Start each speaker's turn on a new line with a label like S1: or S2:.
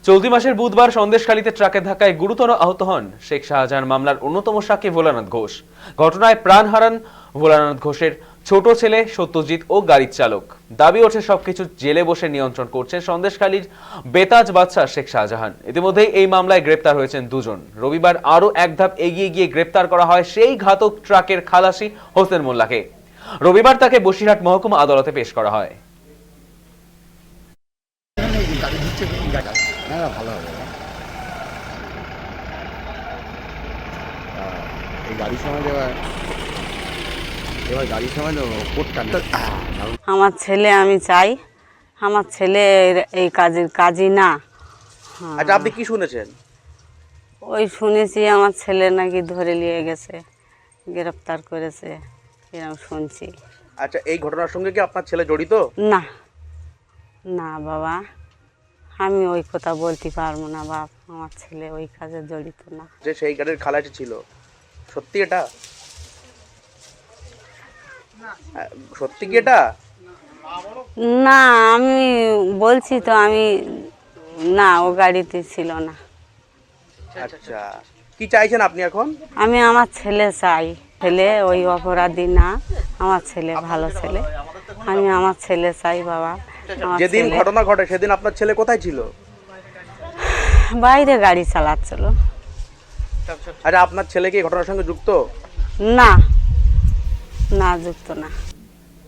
S1: চলতি মাসের বুধবার সন্দেশখালীতে ট্রাকের ধাক্কায় গুরুতর আহত হন শেখ শাহজাহান মামলার অন্যতম সাক্ষী ভোলানাথ ঘোষ। ঘটনায় প্রাণ হারান ভোলানাথ ঘোষের ছোট ছেলে সত্যজিৎ ও গাড়ির চালক। দাবি ওঠে সবকিছু জেলে বসে নিয়ন্ত্রণ করছেন সন্দেশখালীর বেতাজ বাদশা শেখ শাহজাহান। ইতিমধ্যেই এই মামলায় গ্রেপ্তার হয়েছেন দুজন। রবিবার আরও এক ধাপ এগিয়ে গিয়ে গ্রেপ্তার করা হয় সেই ঘাতক ট্রাকের খালাসি হোসেন মোল্লাকে। রবিবার তাকে বসিরহাট মহকুমা আদালতে পেশ করা হয়।
S2: ভালো হবে এই গাড়ির সময় এবার গাড়ির সময়
S3: আমার ছেলে, আমি চাই আমার ছেলে এই কাজই না।
S4: আচ্ছা, আপনি কি শুনেছেন?
S3: ওই শুনেছি আমার ছেলে নাকি ধরে নিয়ে গেছে, গ্রেফতার করেছে, এরকম শুনছি।
S4: আচ্ছা, এই ঘটনার সঙ্গে কি আপনার ছেলে জড়িত?
S3: না না বাবা, আমি ওই কথা বলতে পারবো না বাপ, আমার ছেলে ওই কাজে জড়িত না।
S4: যে সেই গাড়ির খালাসি ছিল, সত্যি এটা? সত্যি কি এটা?
S3: না, আমি বলছি তো, আমি না, ও গাড়িতে ছিল না।
S4: আচ্ছা, কি চাইছেন আপনি এখন?
S3: আমি আমার ছেলে চাই, ছেলে ওই অপরাধী না, আমার ছেলে ভালো ছেলে, আমি আমার ছেলে চাই বাবা।
S4: যেদিন ঘটনা ঘটে সেদিন আপনার ছেলে কোথায় ছিল?
S3: বাইরে গাড়ি চালাচ্ছিল।
S4: আচ্ছা, আপনার ছেলে কি ঘটনার সঙ্গে যুক্ত?
S3: না না, যুক্ত না।